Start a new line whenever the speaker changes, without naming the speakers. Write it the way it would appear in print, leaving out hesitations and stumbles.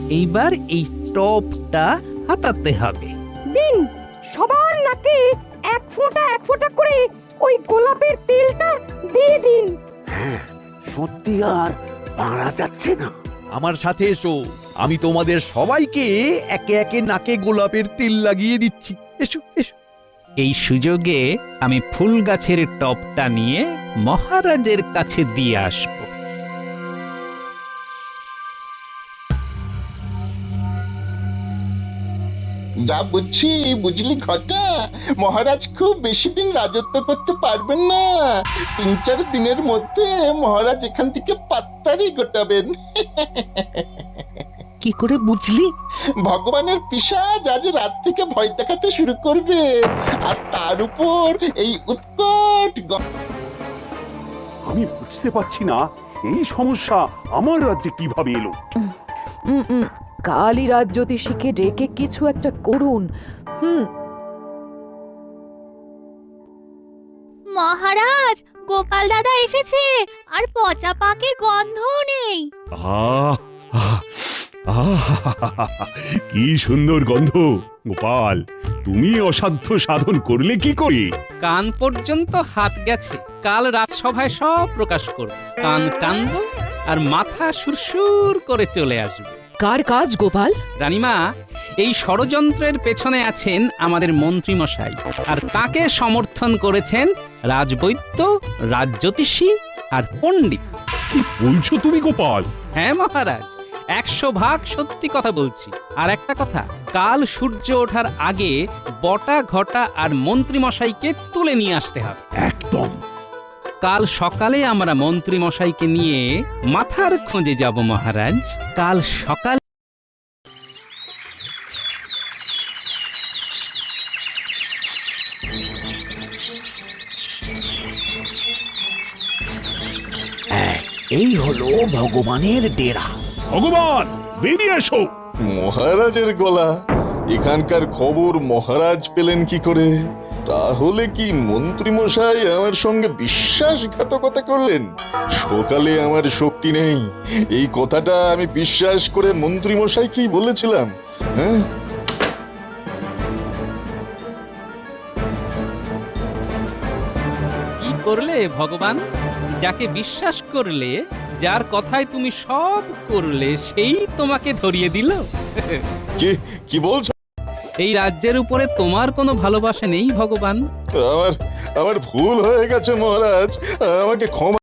এইবার এই টপটা হাতাতে হবে।
দিন, সবার নাকে এক ফোঁটা করে ওই গোলাপের তেলটা দিয়ে দিন।
হ্যাঁ, সত্যি আর পারা যাচ্ছে না।
আমার সাথে এসো, আমি তোমাদের সবাইকে একে একে নাকে গোলাপের তেল লাগিয়ে দিচ্ছি। এসো এসো।
এই সুযোগে আমি ফুল গাছের টপটা নিয়ে মহারাজের কাছে দিয়ে আসব।
যা বুঝছি বুঝলি ঘটা, মহারাজ খুব বেশি দিন রাজত্ব করতে পারবেন না। 3-4 দিনের মধ্যে মহারাজ এখান থেকে পাত্তারি গোটাবেন।
কি করে বুঝলি?
ভগবানের পিশাচ আজ রাত থেকে ভয় দেখাতে শুরু করবে, আর তার উপর এই উৎকট
আমি বুঝতে পারছি না এই সমস্যা আমার রাজ্যে কিভাবে এলো।
কালীরাজ জ্যোতিষীকে ডেকে কিছু একটা করুন।
মহারাজ, গোপাল দাদা এসেছে, আর পচা পাকের গন্ধও নেই।
আহ আহ, আহ, কি সুন্দর গন্ধ! গোপাল, তুমি অসাধ্য সাধন করলে কি করে?
কান পর্যন্ত হাত গেছে। কাল রাজসভায় সব প্রকাশ করব। কান টানব আর মাথা সুরসুর করে চলে আসবে।
কার কাজ গোপাল?
রানীমা, এই ষড়যন্ত্রের পেছনে আছেন আমাদের মন্ত্রীমশাই, আর তাকে সমর্থন করেছেন রাজবৈদ্য, রাজজ্যোতিষী আর পণ্ডিত।
কি বলছো তুমি গোপাল?
হ্যাঁ মহারাজ, 100 ভাগ সত্যি কথা বলছি। আর একটা কথা, কাল সূর্য ওঠার আগে বটা, ঘটা আর মন্ত্রীমশাইকে তুলে নিয়ে আসতে হবে।
একদম।
কাল সকালে আমরা মন্ত্রীমশাইকে নিয়ে মাথার খোঁজে যাব মহারাজ। কাল সকাল
এই হলো ভগবানের ডেরা।
ভগবান, বেরিয়ে এসো।
মহারাজের গলা, এখানকার খবর মহারাজ পেলেন কি করে? তাহলে কি মন্ত্রীমশাই আমার সঙ্গে বিশ্বাসঘাতকতা করলেন? সকালে আমার শক্তি নেই, এই কথাটা আমি বিশ্বাস করে মন্ত্রীমশাইকেই বলেছিলাম। হ্যাঁ,
কি করলে ভগবান? যাকে বিশ্বাস করলে, যার কথায় তুমি সব করলে, সেই তোমাকে ধরিয়ে দিল।
কি কি বলছো?
এই রাজ্যের উপরে তোমার কোনো ভালোবাসা নেই ভগবান?
আমার আমার ভুল হয়ে গেছে মহারাজ, আমাকে ক্ষমা